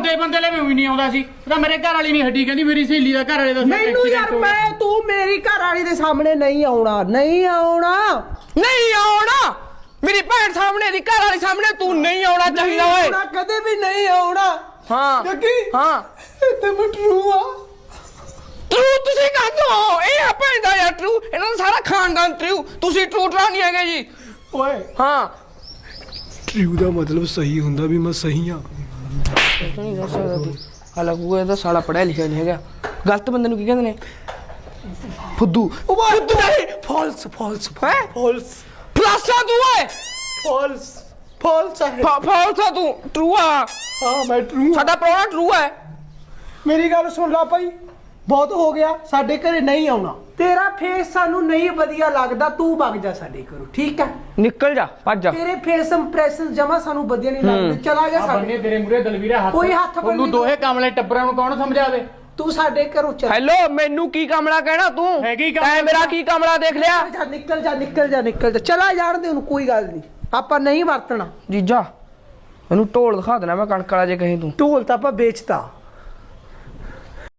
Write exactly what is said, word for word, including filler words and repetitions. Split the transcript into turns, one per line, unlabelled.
ਆਉਂਦੇ ਬੰਦੇ ਲੈ ਵੀ ਨਹੀਂ ਆਉਂਦਾ ਸੀ ਤਾਂ ਮੇਰੇ ਘਰ ਵਾਲੀ ਨਹੀਂ ਹੱਡੀ ਕਹਿੰਦੀ ਮੇਰੀ ਸਹੇਲੀ ਦਾ ਘਰ ਵਾਲੇ ਦਾ
ਮੈਨੂੰ ਯਾਰ ਮੈਂ ਤੂੰ ਮੇਰੀ ਘਰ ਵਾਲੀ ਦੇ ਸਾਹਮਣੇ ਨਹੀਂ ਆਉਣਾ ਨਹੀਂ ਆਉਣਾ
ਨਹੀਂ ਆਉਣਾ ਮੇਰੀ ਭੈਣ ਸਾਹਮਣੇ ਦੀ ਘਰ ਵਾਲੀ ਸਾਹਮਣੇ ਤੂੰ ਨਹੀਂ ਆਉਣਾ ਚਾਹੀਦਾ ਓਏ
ਕਦੇ ਵੀ ਨਹੀਂ ਆਉਣਾ
ਹਾਂ
ਜੱਗੀ
ਹਾਂ
ਤੇ ਮੈਂ ਟਰੂ ਆ
ਟਰੂ ਤੁਸੀਂ ਕਹਦੋ ਇਹ ਆ ਭੈਣ ਦਾ ਯਾਰ ਟਰੂ ਇਹਨਾਂ ਦਾ ਸਾਰਾ ਖਾਨਦਾਨ ਟਰੂ ਤੁਸੀਂ ਟਰੂ ਟਰਾ ਨਹੀਂ ਹੈਗੇ ਜੀ
ਓਏ
ਹਾਂ
ਟਰੂ ਦਾ ਮਤਲਬ ਸਹੀ ਹੁੰਦਾ ਵੀ ਮੈਂ ਸਹੀ ਆ
ਨਹੀਂ ਦੱਸ ਸਕਦਾ ਤੂੰ ਹਾਲਾਂਕਿ ਇਹਦਾ ਸਾਲਾ ਪੜਿਆ ਲਿਖਿਆ ਨਹੀਂ ਹੈਗਾ ਗਲਤ ਬੰਦੇ ਨੂੰ ਕੀ ਕਹਿੰਦੇ ਨੇ ਫੁੱਦੂ
ਫੁੱਦੂ ਨਹੀਂ ਫਾਲਸ ਫਾਲਸ
ਹੈ
ਫਾਲਸ
ਫਲਾਸਾ ਤੂੰ ਓਏ
ਫਾਲਸ ਫਾਲਸ ਹੈ
ਫਾਲਸਾ ਤੂੰ ਟਰੂ ਆ
ਹਾਂ ਮੈਂ ਟਰੂ
ਸਾਡਾ ਪ੍ਰਾਹੁਣਾ ਟਰੂ ਹੈ
ਮੇਰੀ ਗੱਲ ਸੁਣ ਲਾ ਭਾਈ ਬਹੁਤ ਹੋ ਗਿਆ ਸਾਡੇ ਘਰੇ ਨਹੀਂ ਆਉਣਾ ਤੇਰਾ ਫੇਸ ਸਾਨੂੰ ਨਹੀਂ ਵਧੀਆ ਲੱਗਦਾ ਤੂੰ ਵਗ ਜਾ ਸਾਡੇ ਘਰੋਂ ਠੀਕ ਹੈ
ਨਿਕਲ ਜਾ ਭੱਜ ਜਾ
ਤੇਰੇ ਫੇਸ ਇੰਪ੍ਰੈਸ਼ਨ ਜਮਾ ਸਾਨੂੰ ਵਧੀਆ ਨਹੀਂ ਲੱਗਦੇ ਚਲਾ ਜਾ ਸਾਡੇ
ਬੰਨੇ ਤੇਰੇ ਮੂਰੇ ਦਲਵੀਰਾ ਹੱਥ
ਕੋਈ ਹੱਥ ਬੰਨ੍ਹੀ
ਉਹਨੂੰ ਦੋਹੇ ਕਮਲੇ ਟੱਬਰਾਂ ਨੂੰ ਕੌਣ ਸਮਝਾਵੇ
ਤੂੰ ਸਾਡੇ ਘਰੋਂ ਚੱਲ
ਹੈਲੋ ਮੈਨੂੰ ਕੀ ਕਮਲਾ ਕਹਿਣਾ ਤੂੰ
ਹੈਗੀ ਕਮਲਾ
ਤੈਂ ਮੇਰਾ ਕੀ ਕਮਲਾ ਦੇਖ ਲਿਆ
ਜਾ ਨਿਕਲ ਜਾ ਨਿਕਲ ਜਾ ਨਿਕਲ ਜਾ ਚਲਾ ਜਾਣ ਦੇ ਉਹਨੂੰ ਕੋਈ ਗੱਲ ਨਹੀਂ ਆਪਾਂ ਨਹੀਂ ਵਰਤਣਾ
ਜੀਜਾ ਮੈਨੂੰ ਢੋਲ ਦਿਖਾ ਦੇਣਾ ਮੈਂ ਕਣਕ ਵਾਲਾ ਜੇ ਕਹੇ ਤੂੰ
ਢੋਲ ਤਾਂ ਆਪਾਂ ਵੇਚਤਾ